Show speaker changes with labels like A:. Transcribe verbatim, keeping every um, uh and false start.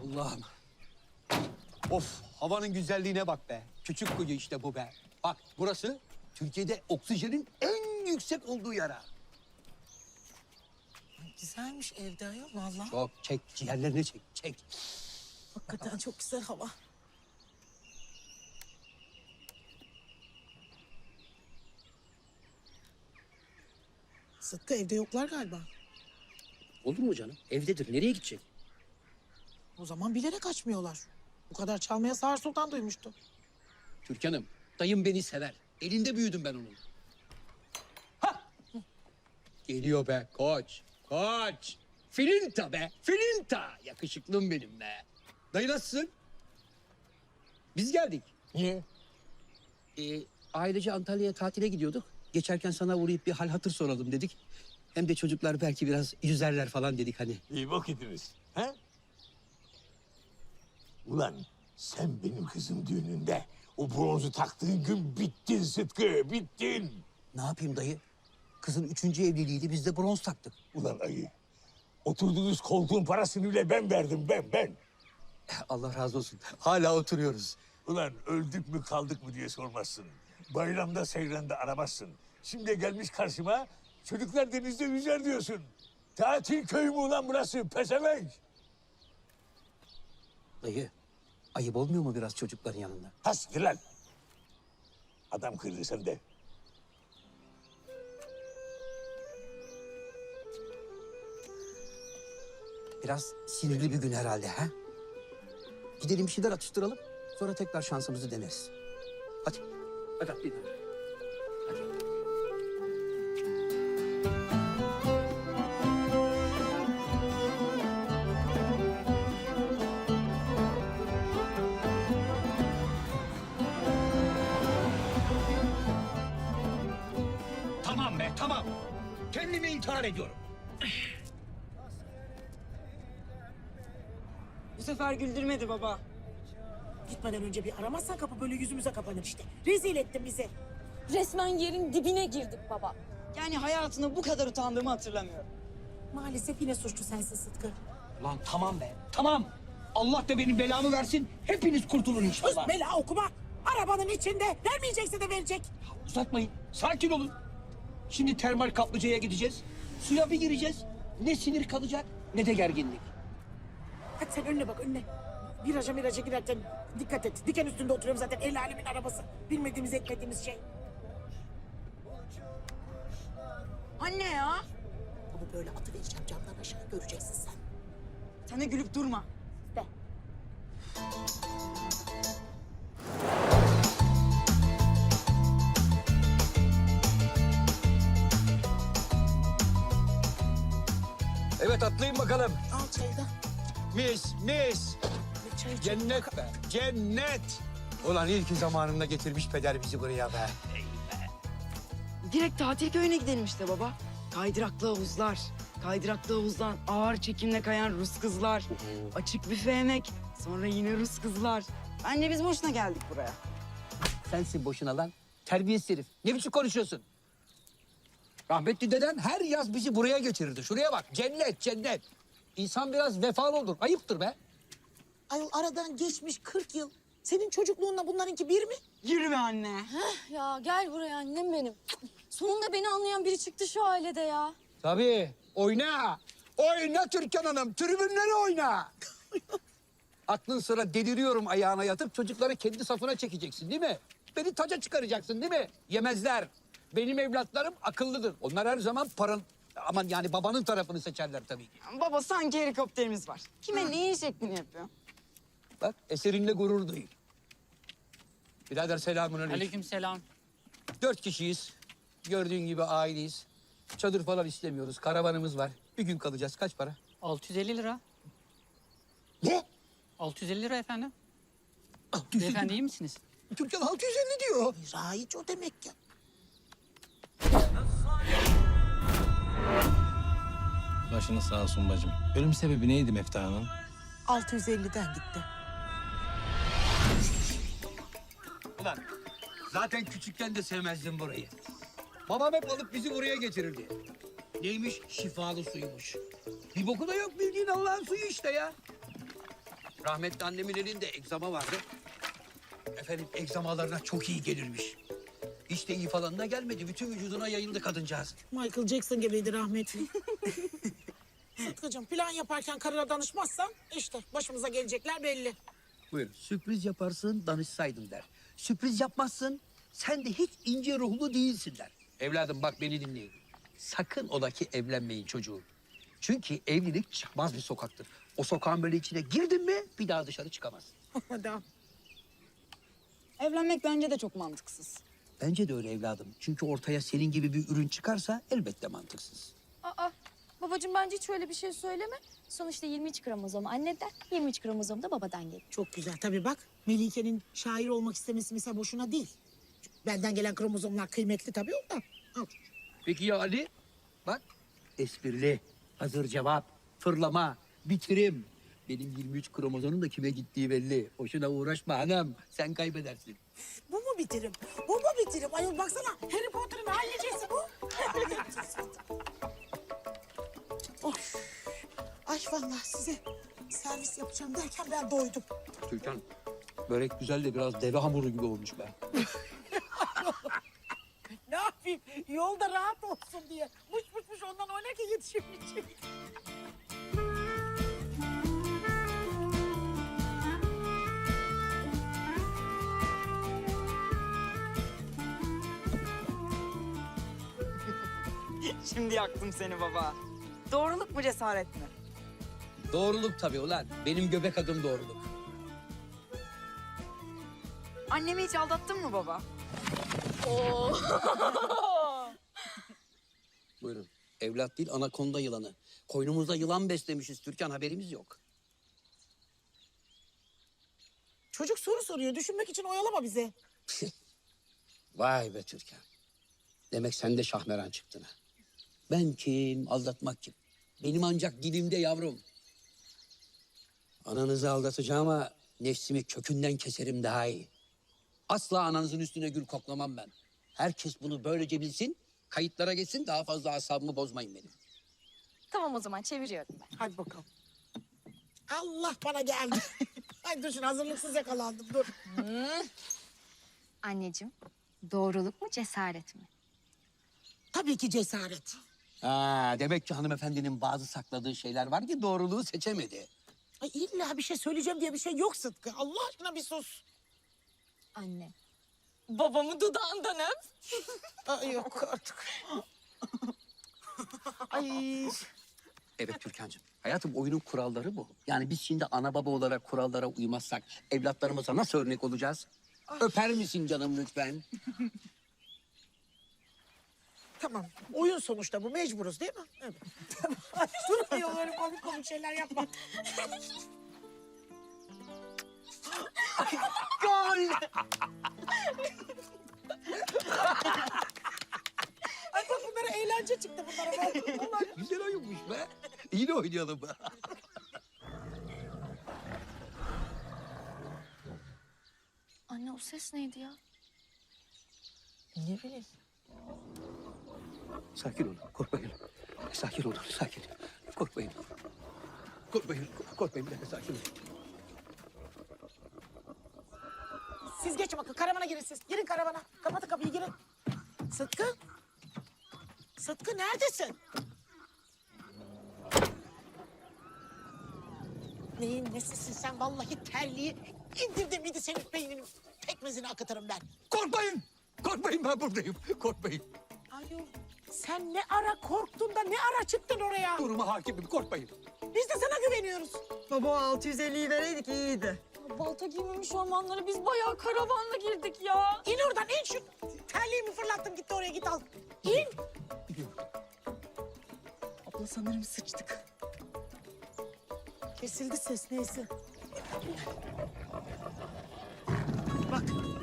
A: Allah'ım. Of, havanın güzelliğine bak be. Küçük kuyu işte bu be. Bak burası Türkiye'de oksijenin en yüksek olduğu yer ha.
B: Güzelmiş evde ayol vallahi.
A: Çok çek, ciğerlerini çek, çek.
B: Hakikaten çok güzel hava. Sıtkı evde yoklar galiba.
A: Olur mu canım? Evdedir. Nereye gidecek?
B: O zaman bilerek açmıyorlar. Bu kadar çalmaya Sağır Sultan duymuştu.
A: Türkan'ım, dayım beni sever. Elinde büyüdüm ben onun. Ha! Geliyor be koç, koç. Filinta be, filinta. Yakışıklım benim be. Dayı nasılsın? Biz geldik.
C: Niye?
A: Ee, ailece Antalya'ya tatile gidiyorduk. Geçerken sana uğrayıp bir hal hatır soralım dedik. Hem de çocuklar belki biraz yüzerler falan dedik hani.
C: İyi vakitiniz. He? Ulan sen benim kızım düğününde o bronzu taktığın gün bittin Sıtkı, bittin.
A: Ne yapayım dayı? Kızın üçüncü evliliğiydi, biz de bronz taktık.
C: Ulan ayı, oturduğunuz koltuğun parasını bile ben verdim, ben, ben.
A: Allah razı olsun. Hala oturuyoruz.
C: Ulan öldük mü kaldık mı diye sormazsın. Bayramda seyranda aramazsın. Şimdi gelmiş karşıma çocuklar denizde yüzer diyorsun. Tatil köyü mü ulan burası, pezevenk?
A: Dayı, ayıp olmuyor mu biraz çocukların yanında?
C: Hastir lan. Adam kırdı sen de.
A: Biraz sinirli bir gün herhalde ha? Gidelim bir şeyler atıştıralım. Sonra tekrar şansımızı deneriz. Hadi. Hadi atlayın. Hadi. Tamam be, tamam. Kendimi intihar ediyorum.
D: Bu sefer güldürmedi baba.
B: Gitmeden önce bir aramazsan kapı böyle yüzümüze kapanır işte. Rezil ettin bizi.
E: Resmen yerin dibine girdik baba.
D: Yani hayatımda bu kadar utandığımı hatırlamıyorum.
B: Maalesef yine suçlu sensin Sıtkı.
A: Lan tamam be, tamam. Allah da benim belamı versin. Hepiniz kurtulun
B: Sus
A: inşallah.
B: bela okuma. Arabanın içinde. Vermeyecekse de verecek.
A: Uzatmayın. Sakin olun. Şimdi termal kaplıcaya gideceğiz. Suya bir gireceğiz. Ne sinir kalacak ne de gerginlik.
B: Hadi sen önüne bak önüne. Viraja miraja girerken dikkat et. Diken üstünde oturuyorum zaten. El alemin arabası. Bilmediğimiz etmediğimiz şey.
D: Anne ya.
B: Ama böyle atı vereceğim camdan aşağı göreceksin sen.
D: Sen de gülüp durma.
B: De.
A: Evet atlayın bakalım.
B: Al çayı da.
A: Mis, mis.
B: Bir çay iç.
A: Cennet be, cennet. Ulan iyi ki zamanında getirmiş peder bizi buraya be.
D: Direkt tatil köyüne gidelim işte baba. Kaydıraklı havuzlar. Kaydıraklı havuzdan ağır çekimle kayan Rus kızlar. Açık büfe yemek. Sonra yine Rus kızlar. Anne biz boşuna geldik buraya.
A: Sensin boşuna lan. Terbiyesiz herif. Ne biçim konuşuyorsun? Rahmetli deden her yaz bizi buraya getirirdi. Şuraya bak. Cennet, cennet. İnsan biraz vefalı olur. Ayıptır be.
B: Ayol aradan geçmiş kırk yıl. Senin çocukluğunla bunlarınki bir mi?
D: Yürü be anne.
E: Ya gel buraya annem benim. Sonunda beni anlayan biri çıktı şu ailede ya.
A: Tabii. Oyna. Oyna Türkan Hanım. Tribünleri oyna. Aklın sıra deliriyorum ayağına yatıp çocukları kendi safına çekeceksin değil mi? Beni taca çıkaracaksın değil mi? Yemezler. Benim evlatlarım akıllıdır. Onlar her zaman paran... Aman yani babanın tarafını seçerler tabii ki.
D: Baba sanki helikopterimiz var. Kime neyin şeklini yapıyor?
A: Bak eserinle gurur duy. Birader selamünaleyküm.
F: Aleykümselam.
A: Dört kişiyiz. Gördüğün gibi aileyiz. Çadır falan istemiyoruz. Karavanımız var. Bir gün kalacağız. Kaç para?
F: altı yüz elli lira.
A: Ne?
F: altı yüz elli lira efendim.
A: altı yüz elli.
F: Beyefendi iyi misiniz?
A: Türkan altı yüz elli diyor.
B: Rahiç o demek ki.
G: Başınız sağ olsun bacım. Ölüm sebebi neydi Mefta'nın?
B: altı yüz elliden gitti.
A: Ulan zaten küçükken de sevmezdim burayı. Babam hep alıp bizi buraya getirirdi. Neymiş? Şifalı suymuş. Bir boku da yok bildiğin Allah'ın suyu işte ya. Rahmetli annemin elinde egzama vardı. Efendim egzamalarına çok iyi gelirmiş. Hiç de iyi falan da gelmedi. Bütün vücuduna yayıldı kadıncağız.
B: Michael Jackson gibiydi rahmetli. Sıtkı'cığım plan yaparken karına danışmazsan işte başımıza gelecekler belli.
A: Buyurun. Sürpriz yaparsın, danışsaydım der. Sürpriz yapmazsın, sen de hiç ince ruhlu değilsin der. Evladım bak beni dinleyin. Sakın ola ki evlenmeyin çocuğum. Çünkü evlilik çıkmaz bir sokaktır. O sokağın böyle içine girdin mi bir daha dışarı çıkamazsın.
B: Adam.
D: Evlenmek bence de çok mantıksız.
A: Bence de öyle evladım. Çünkü ortaya senin gibi bir ürün çıkarsa elbette mantıksız.
E: Aa, babacığım bence hiç öyle bir şey söyleme. Sonuçta yirmi üç kromozom anneden, yirmi üç kromozom da babadan geliyor.
B: Çok güzel tabii bak. Melike'nin şair olmak istemesi mesela boşuna değil. Benden gelen kromozomlar kıymetli tabii ondan. Al.
A: Peki ya Ali? Bak esprili, hazır cevap, fırlama, bitirim. Benim yirmi üç kromozonun da kime gittiği belli. Boşuna uğraşma hanım, sen kaybedersin.
B: Bu mu bitirim? Bu mu bitirim? Ayol baksana Harry Potter'ın hallicesi bu. of. Ay vallahi size servis yapacağım derken ben doydum.
A: Türkan, börek güzel de biraz deve hamuru gibi olmuş be.
B: Ne yapayım? Yolda rahat olsun diye. Muş muş muş ondan oynarken yetişemeyecek.
D: Şimdi yaktım seni baba. Doğruluk mu cesaret mi?
A: Doğruluk tabii ulan. Benim göbek adım doğruluk.
D: Annemi hiç aldattın mı baba?
A: Buyurun. Evlat değil, anakonda yılanı. Koynumuzda yılan beslemişiz Türkan, haberimiz yok.
B: Çocuk soru soruyor. Düşünmek için oyalama bizi.
A: Vay be Türkan. Demek sen de şahmeran çıktın ha. Ben kim, aldatmak kim? Benim ancak dilimde yavrum. Ananızı aldatacağıma nefsimi kökünden keserim daha iyi. Asla ananızın üstüne gül koklamam ben. Herkes bunu böylece bilsin, kayıtlara geçsin, daha fazla asabımı bozmayın benim.
E: Tamam o zaman çeviriyorum ben.
B: Hadi bakalım. Allah bana geldi. Ay düşün hazırlıksız yakalandım dur.
E: Anneciğim, doğruluk mu cesaret mi?
B: Tabii ki cesaret.
A: Ha, demek ki hanımefendinin bazı sakladığı şeyler var ki doğruluğu seçemedi.
B: Ay illa bir şey söyleyeceğim diye bir şey yok Sıtkı. Allah aşkına bir sus.
E: Anne.
D: Babamı dudağından öp.
B: Ay yok artık.
D: Ay.
A: Evet Türkan'cığım. Hayatım oyunun kuralları bu. Yani biz şimdi ana baba olarak kurallara uymazsak evlatlarımıza nasıl örnek olacağız? Öper misin canım lütfen?
B: Tamam. Oyun sonuçta bu. Mecburuz değil mi? Evet. Ay dur ayol öyle komik komik şeyler yapma.
D: Gol.
B: Ay bak bunlara eğlence çıktı bunlara. Bak. Allah.
A: Güzel oyunmuş be. Yine oynayalım.
E: Anne o ses neydi ya?
B: Ne bileyim.
A: Sakin olun, korkmayın. Sakin olun, sakin. Korkmayın. Korkmayın, korkmayın. Bir dakika, sakin olun.
B: Siz geçin bakın karavana girin siz. Girin karavana. Kapatın kapıyı girin. Sıtkı. Sıtkı neredesin? Neyin nesisin sen vallahi terliği indirdim miydi senin beyninin pekmezini akıtırım ben.
A: Korkmayın! Korkmayın, ben buradayım. Korkmayın.
B: Ayol sen ne ara korktun da ne ara çıktın oraya?
A: Duruma hakimim, korkmayın.
B: Biz de sana güveniyoruz.
D: Baba altı yüz elliyi vereydik iyiydi.
E: Balta giymemiş ormanlara biz bayağı karavanla girdik ya.
B: İn oradan in şu terliğimi fırlattım gitti oraya git al. İn.
D: Abla sanırım sıçtık.
B: Kesildi ses neyse. Bak